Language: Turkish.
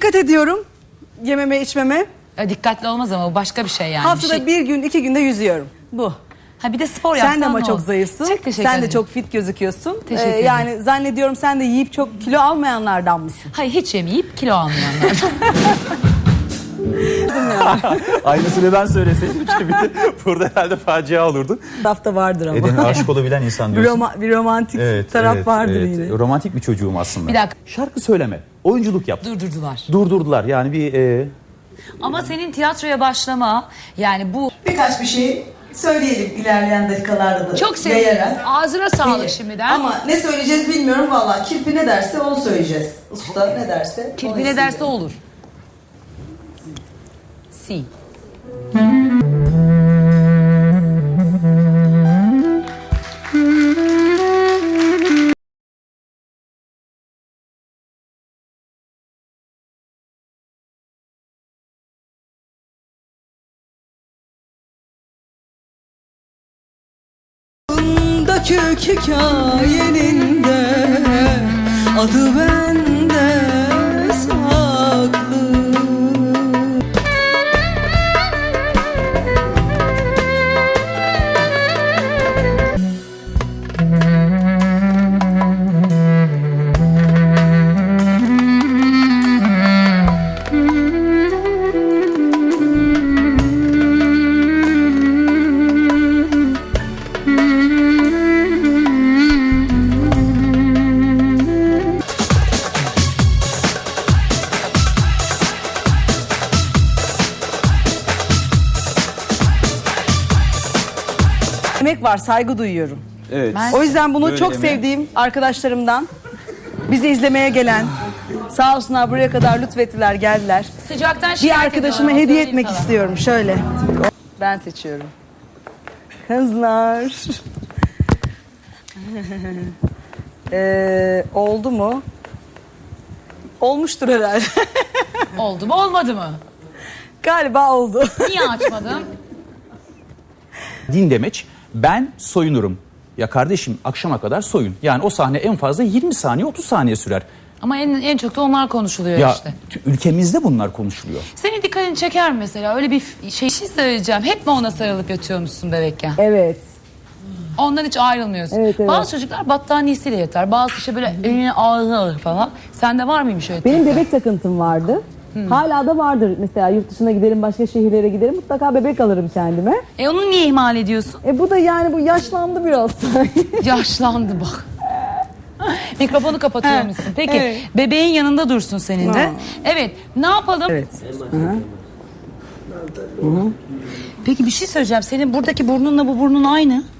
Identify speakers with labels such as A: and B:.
A: dikkat ediyorum yememe içmeme.
B: Dikkatli olmaz ama bu başka bir şey yani.
A: Haftada bir gün 2 günde yüzüyorum. Bu.
B: Ha bir de spor yapsan
A: Sen de ama
B: ne
A: çok
B: olur?
A: zayıfsın.
B: Çok teşekkür
A: Sen de
B: ederim.
A: çok fit gözüküyorsun.
B: Teşekkür ederim.
A: Yani zannediyorum sen de yiyip çok kilo almayanlardan mısın?
B: Hayır hiç yemeyip kilo almayanlar.
C: Aynısını ben söyleseydim şimdi burada herhalde facia olurdu.
A: Hafta vardır ama.
C: Eden'e aşık olabilen insan diyorsun.
A: Bir romantik taraf vardır yine.
C: Romantik bir çocuğum aslında.
B: Bir dakika.
C: Şarkı söyleme, oyunculuk yap.
B: Durdurdular.
C: Durdurdular yani bir...
B: Ama senin tiyatroya başlama yani bu
A: Birkaç bir şey söyleyelim ilerleyen dakikalarda da.
B: çok seviyorum. Ağzına sağlık şimdiden.
A: Ama ne söyleyeceğiz bilmiyorum valla. Kirpi ne derse onu söyleyeceğiz. Usta ne derse.
B: Kirpi ne derse olur. Si.
A: Kök hikayenin de adı bende saklı. Emek var, saygı duyuyorum.
C: Evet.
A: O yüzden bunu
C: Böyle
A: çok
C: emeğe.
A: sevdiğim arkadaşlarımdan, bizi izlemeye gelen, sağ olsunlar buraya kadar lütfettiler, geldiler.
B: Sıcaktan
A: Bir
B: şikayet
A: arkadaşıma
B: ediyorlar,
A: hediye
B: söyleyeyim
A: etmek
B: sana.
A: istiyorum. Şöyle. Ben seçiyorum. Kızlar. Oldu mu? Olmuştur herhalde.
B: Oldu mu olmadı mı?
A: Galiba oldu.
B: Niye açmadın?
C: Din demeç, ben soyunurum. Ya kardeşim akşama kadar soyun. Yani o sahne en fazla 20 saniye 30 saniye sürer.
B: Ama en çok da onlar konuşuluyor
C: Ya
B: işte.
C: ülkemizde bunlar konuşuluyor.
B: Senin dikkatini çeker mi mesela? Öyle bir şey söyleyeceğim. Hep mi ona sarılıp yatıyormuşsun bebekken?
A: Evet.
B: Ondan hiç ayrılmıyorsun.
A: Evet, evet.
B: Bazı çocuklar battaniyesiyle yatar. Bazı işte böyle eline ağır falan. Sende var mıymış öyle?
D: Benim bebek takıntım vardı. Hala da vardır. Mesela yurt dışına giderim, başka şehirlere giderim. Mutlaka bebek alırım kendime.
B: Onu niye ihmal ediyorsun?
D: Bu da yani bu yaşlandı biraz.
B: Yaşlandı bak. Mikrofonu kapatıyor musun? Peki
A: evet.
B: bebeğin yanında dursun senin de. Evet ne yapalım?
A: Evet.
B: Peki bir şey söyleyeceğim. Senin buradaki burnunla bu burnun aynı.